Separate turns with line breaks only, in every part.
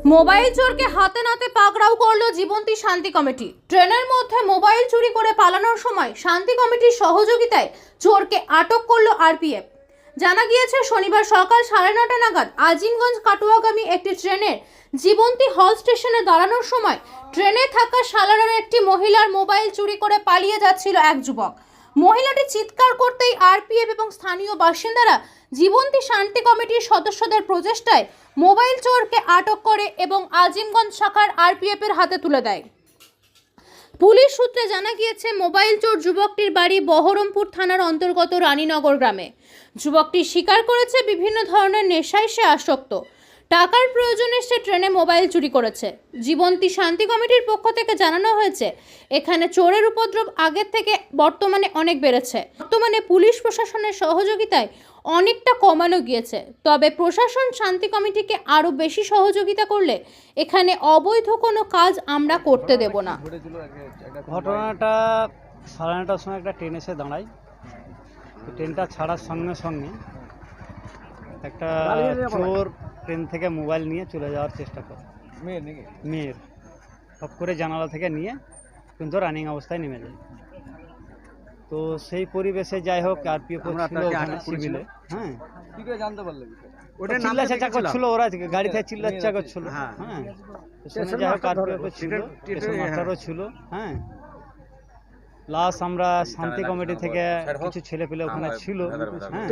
Mobile চোরকে হাতে নাতে পাকড়াও করলো জীবন্তী শান্তি কমিটি। ট্রেনের মধ্যে মোবাইল চুরি করে পালানোর সময় শান্তি কমিটির সহযোগিতায় চোরকে আটক করলো আরপিএফ। জানা গিয়েছে শনিবার সকাল 9:30 নাগাদ আজিমগঞ্জ কাটুয়াগামী একটি ট্রেনের জীবন্তী হল স্টেশনে দাঁড়ানোর সময় ট্রেনে থাকা সালারের একটি মহিলার মোবাইল চুরি করে পালিয়ে যাচ্ছিল এক যুবক। মহিলাটি চিৎকার করতেই আরপিএফ এবং স্থানীয় বাসিন্দারা জীবন্তী শান্তি কমিটির সদস্যদের প্রচেষ্টায় মোবাইল চোরকে আটক করে এবং আজিমগঞ্জ শাখার আরপিএফ এর হাতে তুলে দেয়। পুলিশ সূত্রে জানা গিয়েছে মোবাইল চোর যুবকটির বাড়ি বহরমপুর থানার অন্তর্গত রানীনগর গ্রামে। যুবকটি স্বীকার করেছে বিভিন্ন ধরনের নেশায় সে আসক্ত। টাকার প্রয়োজনে সে ট্রেনে মোবাইল চুরি করেছে। জীবন্তী শান্তি কমিটির পক্ষ থেকে জানানো হয়েছে এখানে চোরের উপদ্রব আগের থেকে বর্তমানে অনেক বেড়েছে। বর্তমানে পুলিশ প্রশাসনের সহযোগিতায় অনেকটা কমানো গিয়েছে, তবে প্রশাসন শান্তি কমিটিকে আরও বেশি সহযোগিতা করলে এখানে অবৈধ কোনো কাজ আমরা করতে দেব না।
ঘটনাটা 9:30টার সময় একটা ট্রেন এসে দাঁড়ায়। ট্রেনটা ছাড়ার সঙ্গে সঙ্গে একটা চোর ট্রেন থেকে মোবাইল নিয়ে চলে যাওয়ার চেষ্টা করে। মেয়ের সব করে জানালা থেকে নিয়ে কিন্তু রানিং অবস্থায় নেমে যায়। তো সেই পরিবেশে যাই হোক আরপিএফ ছিল ওখানে সিভিলে। হ্যাঁ,
কি করে জানতে পারলে?
ওটা চিল্লাচাচা করছিল, ওরা গাড়ি থেকে চিল্লাচাচা করছিল। হ্যাঁ, যাই হোক আরপিএফ ছিল, স্টেশন মাস্টারও ছিল। হ্যাঁ, প্লাস আমরা শান্তি কমিটি থেকে কিছু ছেলে পেলে ওখানে ছিল। হ্যাঁ,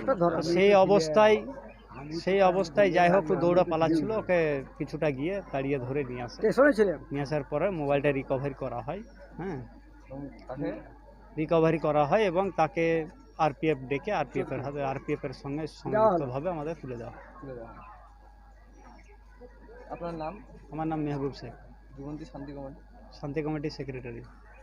সেই অবস্থায় যাই হোক দৌড়া পালাচ্ছিল, ওকে কিছুটা গিয়ে তাড়িয়ে ধরে নিয়ে আসার পরে মোবাইলটা রিকভারি করা হয়। হ্যাঁ, রিকভারি করা হয় এবং তাকে আরপিএফ ডেকে আরপিএফ এর সঙ্গে সংযুক্তভাবে আমাদের তুলে দেওয়া।
আপনার নাম?
আমার নাম মেহবুব শেখ,
জীবন্তী
শান্তি কমিটির সেক্রেটারি।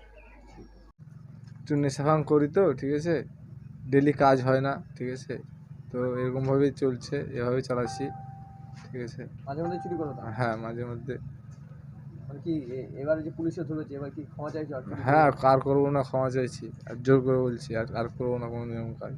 একটু নেশাভাং করি তো, ঠিক আছে, ডেলি কাজ হয় না, ঠিক আছে, তো এরকমভাবেই চলছে, এভাবেই চালাচ্ছি, ঠিক আছে।
মাঝে মধ্যে চুরি করো?
হ্যাঁ, মাঝে মধ্যে।
মানে কি এবারে যে পুলিশে ধরেছে, এবার কি ক্ষমা চাইছো?
হ্যাঁ, আর করবো না, ক্ষমা চাইছি, আর জোর করে বলছি আর করবো না কোনো নিয়ম কাজ।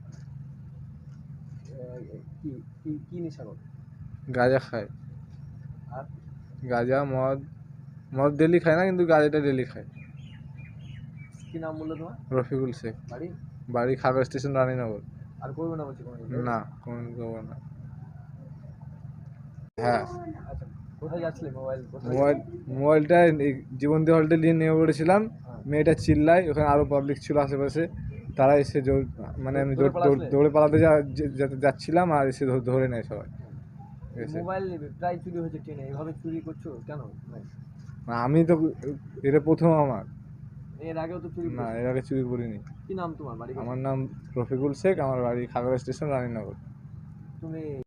কি নেশা করো?
গাঁজা খায়।
আর
গাঁজা, মদ ডেলি খায় না, কিন্তু গাঁজাটা ডেলি খায়।
কি নাম বললো তোমার?
রফিকুল শেখ।
বাড়ি
খাগড়া স্টেশন, রানীনগর।
আর করবে না বলছি?
না, কোনোদিন করবো না। হ্যাঁ,
আচ্ছা, কোথায় যাচ্ছিলে?
মোবাইলটা জীবন্তী হলটা নিয়ে নেমে পড়েছিলাম। মেয়েটা চিল্লায়, ওখানে আরো পাবলিক ছিল আশেপাশে, তারা এসে মানে আমি দৌড়ে পালাতে যাচ্ছিলাম, আর এসে ধরে নেয় সবাই।
মোবাইল প্রায় চুরি হয়েছে ট্রেনে, এভাবে চুরি করছো কেন?
আমি তো এটা প্রথম আমার।
এর আগেও তো চুরি?
না, এর আগে চুরি করিনি।
কি নাম তোমার? বাড়ি?
আমার নাম রফিকুল শেখ, আমার বাড়ি খাগড়া স্টেশন, রানীনগর।
তুমি